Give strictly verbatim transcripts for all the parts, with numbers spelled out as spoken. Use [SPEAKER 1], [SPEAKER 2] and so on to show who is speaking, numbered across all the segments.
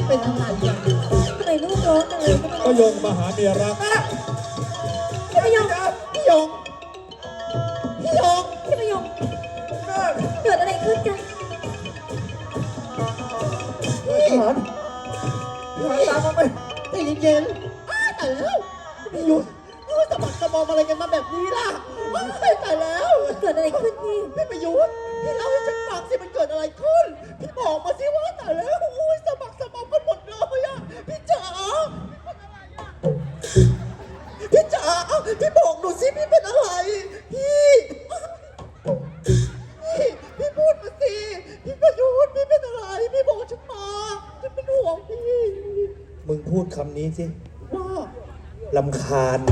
[SPEAKER 1] เป็นอะไรอ่ะ
[SPEAKER 2] ทำไมลูกร้องจังเลย
[SPEAKER 3] ก็ยงมาหาเมียรัก
[SPEAKER 2] พี่พยง
[SPEAKER 1] พี่ยงพี่ยง
[SPEAKER 2] พี่พยงเกิดอะไรขึ้นกัน
[SPEAKER 1] ทหารทหารตามมาไปใจเย็นๆอ้าวตายแล้วพี่ยุทธนี่ว่าสะบักสะบอมอะไรกันมาแบบนี้ล่ะอ้าวตายแล้ว
[SPEAKER 2] เกิดอะไรขึ้นพี่
[SPEAKER 1] พี่ประยุทธ์พี่เล่าให้ฉันฟังสิมันเกิดอะไรขึ้นพี่บอกมาสิว่าตายแล้วโอ้ยสะบักสะบอมกันหมดเลยอ่ะพี่จ๋าพี่จ๋าพี่บอกหนูสิพี่เป็นอะไรพี่พี่พี่พูดมาสิพี่ประยุทธ์พี่เป็นอะไรพี่บอกฉันมาฉันเป็นห่วงพี่
[SPEAKER 3] มึงพูดคำนี้สิ
[SPEAKER 1] ว่า
[SPEAKER 3] ลำคาญ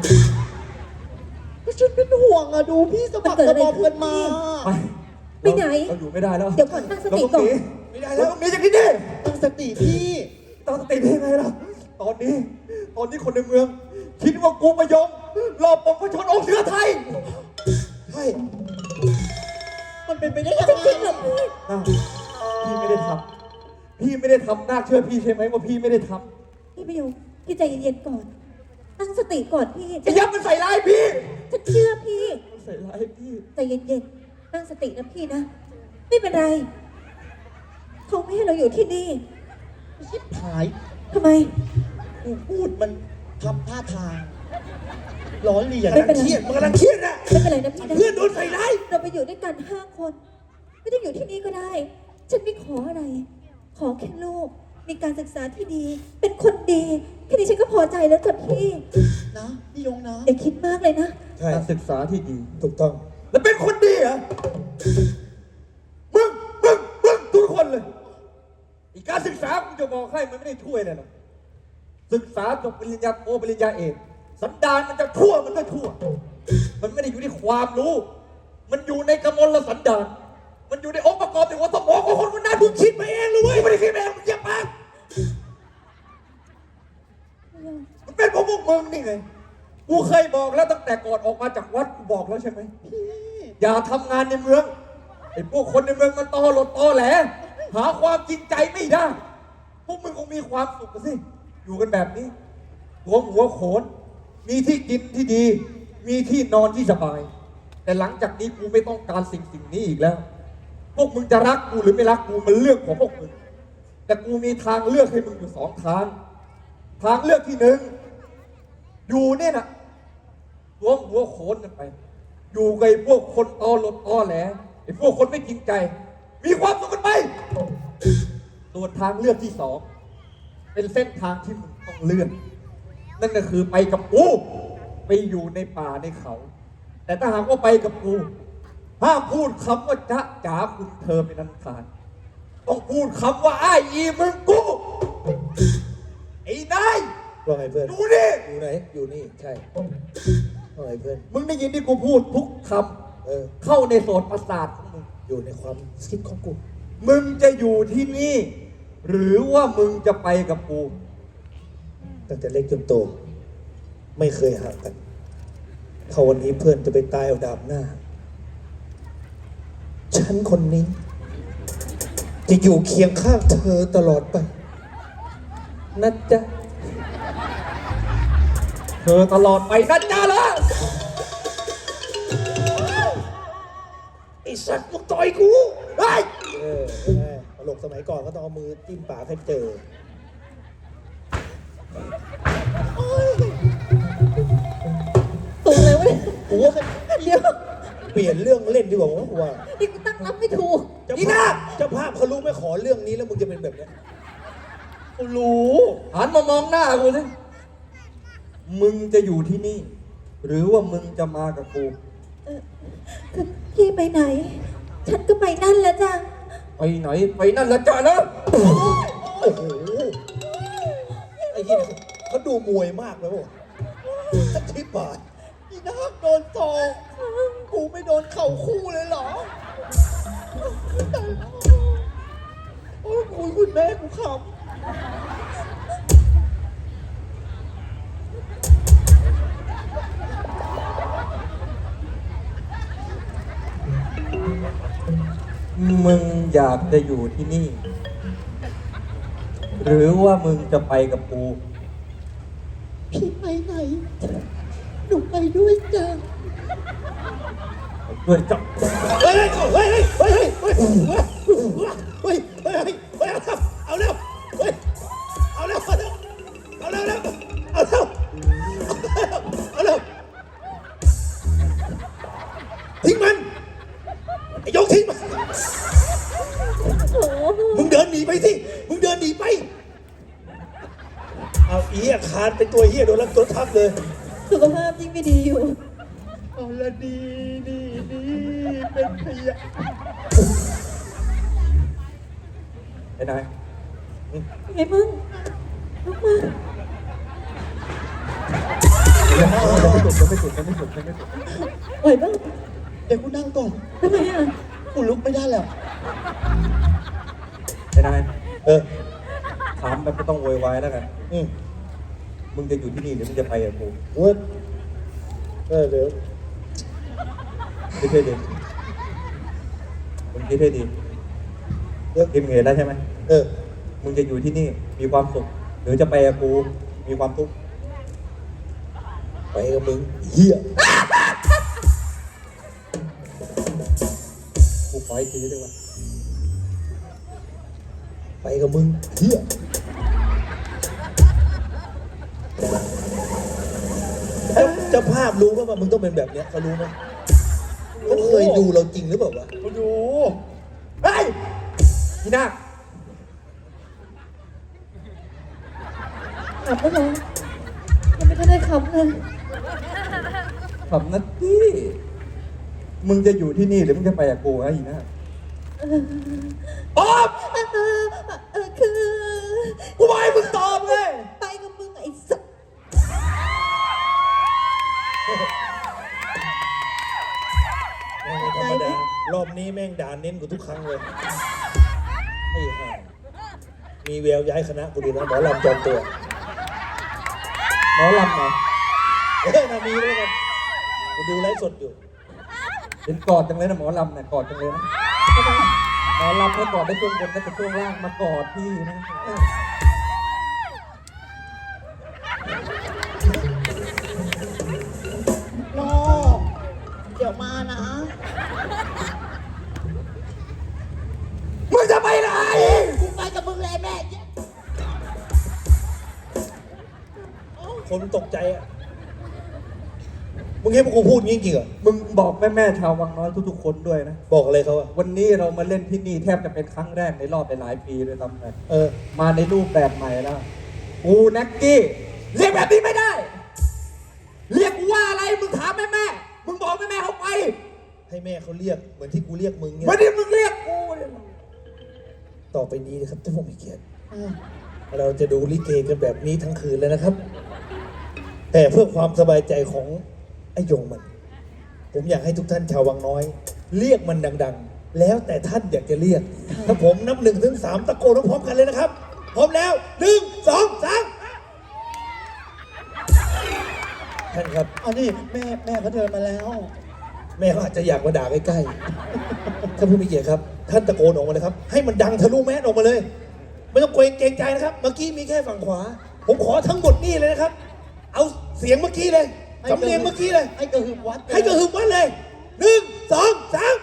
[SPEAKER 1] ก็ฉันเป็นห่วงอะดูพี่สะบักสะบอมกันมา
[SPEAKER 3] ไป
[SPEAKER 2] ไปไหน
[SPEAKER 3] เราอยู่ไม่ได้แล้ว
[SPEAKER 2] เดี๋ยวก่อนตั้งสติก่อน
[SPEAKER 3] ไม่ได้แล้วหนีจากที่นี่
[SPEAKER 1] ตั้งสติพี่
[SPEAKER 3] ตั้งสติได้ไงล่ะ ตอนนี้ ตอนนี้คนในเมือง คิดว่ากูมายงรอบปกประชนองค์เสือไทย
[SPEAKER 1] ใช่มันเป็นไปได้ยัง
[SPEAKER 2] จ
[SPEAKER 1] ไง
[SPEAKER 2] ริงๆเหรอพี่
[SPEAKER 3] อ้าวพี่ไม่ได้ทำพี่ไม่ได้ทำนาคเชื่อพี่ใช่ไหมว่าพี่ไม่ได้ท
[SPEAKER 2] พี่พยงพี่ใจเย็นๆก่อน ตั้งสติก่อนพี่
[SPEAKER 3] ำไอ้ยับมันใส่ร้ายพี่
[SPEAKER 2] ฉันเชื่อพี่
[SPEAKER 3] มันใส่ร้ายพี่
[SPEAKER 2] ใจเย็นๆ ตั้งสตินะพี่นะ ไม่เป็นไร เขาไม่ให้เราอยู่ที่นี่
[SPEAKER 1] ชิบหาย
[SPEAKER 2] ทำไม
[SPEAKER 1] กูพูดมันทำท่าทางร้อนเรียน
[SPEAKER 2] ไม่เป็นไร
[SPEAKER 1] เครียดมันกำลังเครียดอะ
[SPEAKER 2] ไม่เป็นไรนะพี่นะ
[SPEAKER 1] เพื่อนโดนใส่ร้าย
[SPEAKER 2] เราไปอยู่ด้วยกันห้าคน ไม่ต้องอยู่ที่นี่ก็ได้ ฉันไม่ขออะไร ขอแค่ลูก มีการศึกษาที่ดี เป็นคนดีแค่นี้ฉันก็พอใจแล้วจ้ะพี่
[SPEAKER 1] นะพี่ยงนะ
[SPEAKER 2] อย่าคิดมากเลยนะ
[SPEAKER 3] ใช่การศึกษาที่ดี
[SPEAKER 4] ถูกต้อง
[SPEAKER 3] แล้วเป็นคนดีเหรอ มึง มึง มึงทุกคนเลย อีกการศึกษากูจะบอกให้มันไม่ได้ช่วยเลยนะศึกษาจบปริญญาโทปริญญาเอกสันดานมันจะชั่วมันก็ชั่ว มันไม่ได้อยู่ที่ความรู้ มันอยู่ในกมลสันดาน มันอยู่ในองค์ประกอบในหัวสมองของคนคนนั้นมึงคิดมาเองเลยเว้ยไม่ได้คิดมาเองมึงเจ็บปากมันเป็นเพราะพวกมึงนี่ไง กูเคยบอกแล้วตั้งแต่ก่อนออกมาจากวัดกูบอกแล้วใช่ไหม อย่าทำงานในเมืองไอ้พวกคนในเมืองมันตอหลดตอแหลหาความจริงใจไม่ได้ พวกมึงคงมีความสุขกันสิอยู่กันแบบนี้หัวหัวโขน มีที่กินที่ดี มีที่นอนที่สบาย แต่หลังจากนี้กูไม่ต้องการสิ่งสิ่งนี้อีกแล้ว พวกมึงจะรักกูหรือไม่รักกูมันเรื่องของพวกมึงแต่กูมีทางเลือกให้มึงอยู่สองทางทางเลือกที่หนึ่งอยู่เนี่ยนะหัวหัวโขนกันไป อยู่กับไอ้พวกคนตอหลดตอแหลไอ้พวกคนไม่จริงใจ มีความสุขกันไปส่วนทางเลือกที่สองเป็นเส้นทางที่มึงต้องเลือกนั่นก็คือไปกับกูไปอยู่ในป่าในเขา แต่ถ้าหากว่าไปกับกูห้ามพูดคำว่าจ๊ะจ๋าคุณเธอเป็นอันขาดต้องพูดคำว่าอ้ายอีมึงกูไอ้นาย
[SPEAKER 4] ว่าไงเพื่อน
[SPEAKER 3] ดูนี่
[SPEAKER 4] อยู่ไหน อยู่นี่ ใช่ว่าไงเพื่อน
[SPEAKER 3] มึงได้ยินที่กูพูดทุกค
[SPEAKER 4] เออ
[SPEAKER 3] ำเข้าในโสตประสาทของมึง
[SPEAKER 4] อยู่ในความคิดของกู
[SPEAKER 3] มึงจะอยู่ที่นี่ หรือว่ามึงจะไปกับกู
[SPEAKER 4] ตั้งแต่เล็กจนโต ไม่เคยห่างกันถ้าวันนี้เพื่อนจะไปตายเอาดาบหน้า ฉันคนนี้ จะอยู่เคียงข้างเธอตลอดไปนะจ๊ะ
[SPEAKER 3] เธอตลอดไปนะจ๊ะละ
[SPEAKER 4] ไอ้สัตว์มึงต่อยกูไอ้เออเออตลกสมัยก่อนก็ต้องเอามือจิ้มปากให้เจอ
[SPEAKER 2] ตัวเลยวะเนี่ย
[SPEAKER 4] กูว่า
[SPEAKER 2] เดี๋ยว
[SPEAKER 4] เปลี่ยนเรื่องเล่นดีกว่าผมว่า
[SPEAKER 2] นี่กูตั้งรับไม่ถูก
[SPEAKER 4] เจ้าภาพเจ้าภาพเขารู้ไม่ขอเรื่องนี้แล้วมึงจะเป็นแบบเนี้ย
[SPEAKER 3] กูรู้หันมามองหน้ากูสิมึงจะอยู่ที่นี่ หรือว่ามึงจะมากับกู
[SPEAKER 2] คือพี่ไปไหน ฉันก็ไปนั่นแหละจ้ะ
[SPEAKER 3] ไปไหนไปนั่นละจ้ะนะ
[SPEAKER 4] โอ้โหไอ้เหี้ยเขาดูมวยมากเลยว่ะสักทิบาท
[SPEAKER 1] อีนักโดนศอกกูไม่โดนเข่าคู่เลยเหรอโอ้ยคุยคุณแม่กูขำ
[SPEAKER 3] มึงอยากจะอยู่ที่นี่หรือว่ามึงจะไปกับกู
[SPEAKER 1] พี่ไปไหนหนูไปด้วยจ้ะ
[SPEAKER 3] ด้วยจ้ะ
[SPEAKER 4] เฮ้ยเฮ้ยเฮ้ยเฮ้ยเฮ้ยเฮ้ยเฮ้ยเฮ้ยเฮ้ยเฮ้ยเอาเร็วเฮ้ยเอาเร็วเอาเร็วเอาเร็วเอาเร็วเอาเร็วทิ้งมันไอ้ยกทิ้งมัน
[SPEAKER 2] โอ้โห
[SPEAKER 4] มึงเดินหนีไปสิมึงเดินหนีไปเอาอีอาคารเป็นตัวเฮียโดนแล้วตัวทับเลย
[SPEAKER 2] สุขภาพยิ่งไม่ดีอยู่
[SPEAKER 1] เอาละดีดีดีเป็นพยา
[SPEAKER 3] ไอ้นาย
[SPEAKER 2] ไงมึงลุกมา
[SPEAKER 3] ยังไม่สุดยังไม่สุดยังไม่สุดยังไม่สุด
[SPEAKER 2] ไหวบ้าง
[SPEAKER 1] เดี๋ยวกูนั่งก่อน
[SPEAKER 2] ทำไมอ่ะ
[SPEAKER 1] กูลุกไม่ได้แล้ว
[SPEAKER 3] ไอ้นาย
[SPEAKER 4] เออ
[SPEAKER 3] ถามแบบไม่ต้องโวยวายแล้วกัน
[SPEAKER 4] อืม
[SPEAKER 3] มึงจะอยู่ที่นี่หรือมึงจะไปกับกู
[SPEAKER 4] เว้ยเออเดี๋ยว
[SPEAKER 3] คิดให้ดีมึงคิดให้ดี
[SPEAKER 4] เดี๋ยว
[SPEAKER 3] คิดมึงเห็นแล้วใช่ไหม
[SPEAKER 4] เออ
[SPEAKER 3] มึงจะอยู่ที่นี่มีความสุข หรือจะไปกับกูมีความทุกข์
[SPEAKER 4] ไปกับมึงเฮีย
[SPEAKER 3] กูขออีกทีได้ไหม
[SPEAKER 4] ไปกับมึงเฮียแล้วเจ้าภาพรู้ป่ะว่ามึงต้องเป็นแบบเนี้ยเขารู้ไหมเขาเคยดูเราจริงหรือเปล่าวะ
[SPEAKER 3] กูดูเฮ้ยพี่นาค
[SPEAKER 2] ขับแล้วเหรอยังไม่ทันได้ขับเลย
[SPEAKER 3] ขำนัดที่มึงจะอยู่ที่นี่หรือมึงจะไปกับกูฮะอีน่าตอบ
[SPEAKER 2] เออเออเออคือ
[SPEAKER 3] กูบอกให้มึงตอบเลย
[SPEAKER 2] ไปกับมึงไอ้สัส
[SPEAKER 4] ไม่ธรรมดารอบนี้แม่งด่าเน้นกูทุกครั้งเลยไอ้ห่ามีแววย้ายคณะกูดีนะหมอลำจอมตัว
[SPEAKER 3] หมอลำเหรอ
[SPEAKER 4] เออนามีด้วยกันกูดูไลฟ์สดอยู่
[SPEAKER 3] เห็นกอดจังเลยนะหมอลำเนี่ยกอดจังเลยนะหมอลำให้กอดได้ช่วงบนแล้วแต่ช่วงล่างมากอดพี่นะ
[SPEAKER 1] โนเดี๋ยวมานะ
[SPEAKER 3] มึงจะไปไหน
[SPEAKER 1] กูไปกับมึงเลยแม่
[SPEAKER 4] คนตกใจอ่ะมึงเห็นพวกกูพูดงี้จริงเหรอ
[SPEAKER 3] มึงบอกแม่แม่ๆชาววังน้อยทุกๆคนด้วยนะ
[SPEAKER 4] บอกอะไรเขาอ่ะ
[SPEAKER 3] วันนี้เรามาเล่นที่นี่แทบจะเป็นครั้งแรกในรอบหลายๆปีเลยซ้ำไป
[SPEAKER 4] เออ
[SPEAKER 3] มาในรูปแบบใหม่แล้วกูนักกี้เรียกแบบนี้ไม่ได้ เรียกกูว่าอะไรมึงถามแม่แม่ๆมึงบอกแม่แม่ๆเขาไป
[SPEAKER 4] ให้แม่เขาเรียกเหมือนที่กูเรียกมึงเนี่ย
[SPEAKER 3] วันนี้มึงเรียกกูเนี่ย
[SPEAKER 4] ต่อไปนี้นะครับท่านผู้มีเกียรติเราจะดูลิเกกันแบบนี้ทั้งคืนเลยนะครับ แต่เพื่อความสบายใจของไอ้ยงมัน ผมอยากให้ทุกท่านชาววังน้อย เรียกมันดังๆ แล้วแต่ท่านอยากจะเรียก ถ้าผมนับหนึ่งถึงสามตะโกนพร้อมๆกันเลยนะครับ พร้อมแล้วหนึ่งสองสามท่านครับ
[SPEAKER 1] เอานี่แม่แม่เขาเดินมาแล้ว
[SPEAKER 4] แม่เขาอาจจะอยากมาด่าใกล้ๆท่านผู้มีเกียรติครับ ท่านตะโกนออกมาเลยครับ ให้มันดังทะลุแมสออกมาเลย ไม่ต้องเกรงเกรงใจนะครับ เมื่อกี้มีแค่ฝั่งขวา ผมขอทั้งหมดนี่เลยนะครับ เอาเสียงเมื่อกี้เลยสำเนียงเมื่อกี้เลย
[SPEAKER 1] ให้กระหึ่มวัด
[SPEAKER 4] ให้กระหึ่มวัดเลยหนึ่งสองสาม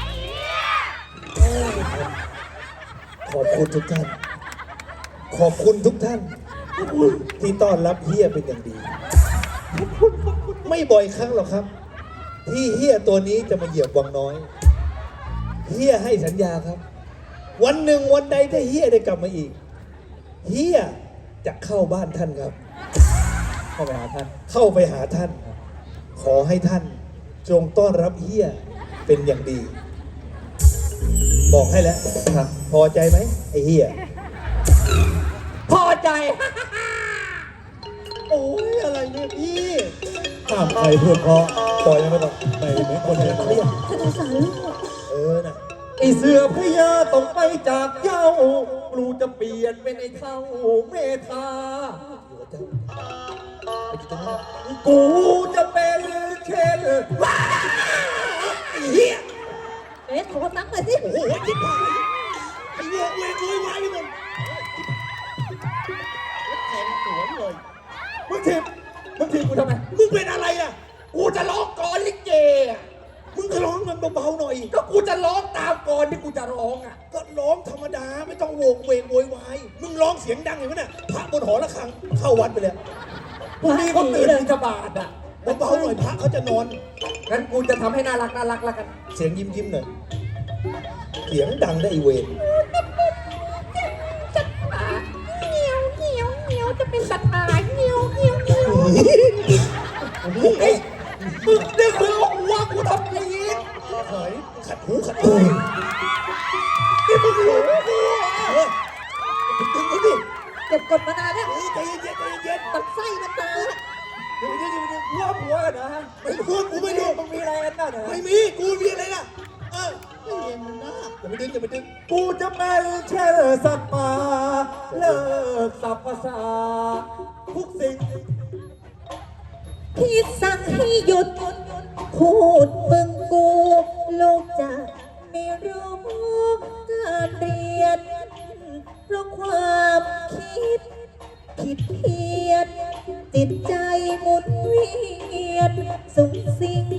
[SPEAKER 4] ขอบคุณทุกท่าน ขอบคุณทุกท่าน ที่ต้อนรับเฮียเป็นอย่างดี ไม่บ่อยครั้งหรอกครับ ที่เฮียตัวนี้จะมาเหยียบวังน้อยเฮียให้สัญญาครับ วันหนึ่งวันใดถ้าเฮียได้กลับมาอีกเฮียจะเข้าบ้านท่านครับ
[SPEAKER 3] เข้าไปหาท่าน
[SPEAKER 4] เข้าไปหาท่าน ขอให้ท่านจงต้อนรับเฮียเป็นอย่างดี บอกให้แล้ว
[SPEAKER 3] ครับ
[SPEAKER 4] พอใจไหมไอ้เฮีย
[SPEAKER 3] พอใจ
[SPEAKER 1] โอ้ยอะไรเนี่ยพี่
[SPEAKER 4] ห้ามใครเพื่อเพราะปล่อยมันไปก่อนไม่เหมือนคนเลยเขาอยาก
[SPEAKER 2] ฉันสงสารลูก
[SPEAKER 4] เออน่ะ
[SPEAKER 3] ไอเสือพญาต้องไปจากเจ้ากูจะเปลี่ยนเป็นไอเท่าเมธา
[SPEAKER 4] อยู่กับเจ้าไปอยู่ตรงนั้น
[SPEAKER 3] กูจะเป็นเช่นว้า
[SPEAKER 4] ไอ้เฮีย
[SPEAKER 2] เอ๊ะขอตังค์หน่อยสิ
[SPEAKER 4] โอ้โหจิ๊บหายไอ้เวรเวรโวยวายไปหมด
[SPEAKER 1] เลย
[SPEAKER 3] มึงถีบมึงถีบกูทำไม
[SPEAKER 4] มึงเป็นอะไรอ่ะ
[SPEAKER 3] กูจะร้องก่อนลิเกอะ
[SPEAKER 4] มึงก็ร้องมันเบาๆหน่อย
[SPEAKER 3] ก็กูจะร้องตามก่อนที่กูจะร้องอ่ะ
[SPEAKER 4] ก็ร้องธรรมดาไม่ต้องโวกเวกโวยวาย มึงร้องเสียงดังอย่างนั้นน่ะพระบนหอระฆังเข้าวัดไปเลย
[SPEAKER 3] พรุ่งนี้เขาตื่นบิณฑบาตอ่ะ
[SPEAKER 4] เบาๆหน่อยพระเขาจะนอน
[SPEAKER 3] งั้นกูจะทำให้น่ารักน่ารักแล้วกัน
[SPEAKER 4] เสียงยิ้มยิ้มๆหน่อย เสียงดังได้ไอเวร
[SPEAKER 2] เงี้ยวเงี้ยวเงี้ยวจะเป็นสัตว์อะไรเงี้ยวเงี้ยวเงี้ยว
[SPEAKER 3] เฮ้ยมึงนี่คือเอาหัวกูทำอย่างนี้
[SPEAKER 4] เฮ้ยขัดหูขัดหู
[SPEAKER 3] นี่มึงรู้กู
[SPEAKER 4] เออดึงไว้ดิ
[SPEAKER 2] เก็บกดมานานแล้ว
[SPEAKER 4] เฮ้ยใจเย็นๆใจเย็น
[SPEAKER 2] ตัดไส้มันมา
[SPEAKER 4] ๆเดี๋ยวเดี๋ยวเดี๋ยวเดี๋ยว
[SPEAKER 3] หัวผัวกันนะฮะ
[SPEAKER 4] ไม่รู้กูไม่รู้
[SPEAKER 3] มึงมีอะไรกันบ้างนะ
[SPEAKER 4] ไม่มีกูมีอะไรล่ะเออ
[SPEAKER 1] ไม่เย็นมันนะ
[SPEAKER 4] อย่าไปดึงอย่าไปดึง
[SPEAKER 3] กูจะเป็นแค่สัตว์ป่าเลิกสับภาษาทุกสิ่ง
[SPEAKER 2] พี่สั่งให้หยุดพูดมึงกูลูกจะไม่รู้การเรียนเพราะความคิดผิดเพี้ยนจิตใจหมุนเวียนสุงสิง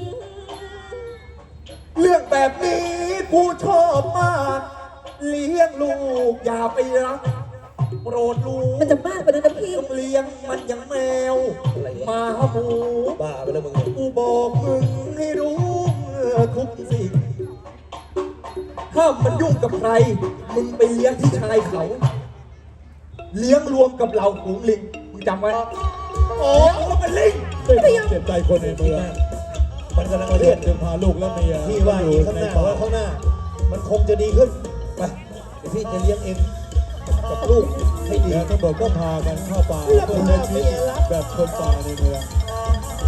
[SPEAKER 3] เรื่องแบบนี้กูชอบมาก เลี้ยงลูกอย่าไปรักโปรดรู้
[SPEAKER 2] มันจะมากกว่านั้นนะพี่
[SPEAKER 3] ต้องเลี้ยงมันอย่างแมวหมาหมู
[SPEAKER 4] บ้าไปแล้วมึงเนี่ย
[SPEAKER 3] กูบอกมึงให้รู้ทุกสิ่งห้ามมันยุ่งกับใคร มึงไปเลี้ยงที่ชายเขา เลี้ยงรวมกับเหล่าฝูงลิงมึงจำไว้
[SPEAKER 4] โอ้เขาเป็นลิง
[SPEAKER 5] เจ็บใจคนในเมือง
[SPEAKER 4] มันกำลังมาเรียก
[SPEAKER 5] จึงพาลูกและเมีย
[SPEAKER 4] พี่ว่าอย่างนี้ข้างหน้าว่าข้างหน้า มันคงจะดีขึ้น ไปเดี๋ยวพี่จะเลี้ยงเองกับลูกให้ดี
[SPEAKER 5] แล้วตำรวจก็พากันเข้าป่าเพื่อใช้ชีวิตแบบคนป่าในเมือง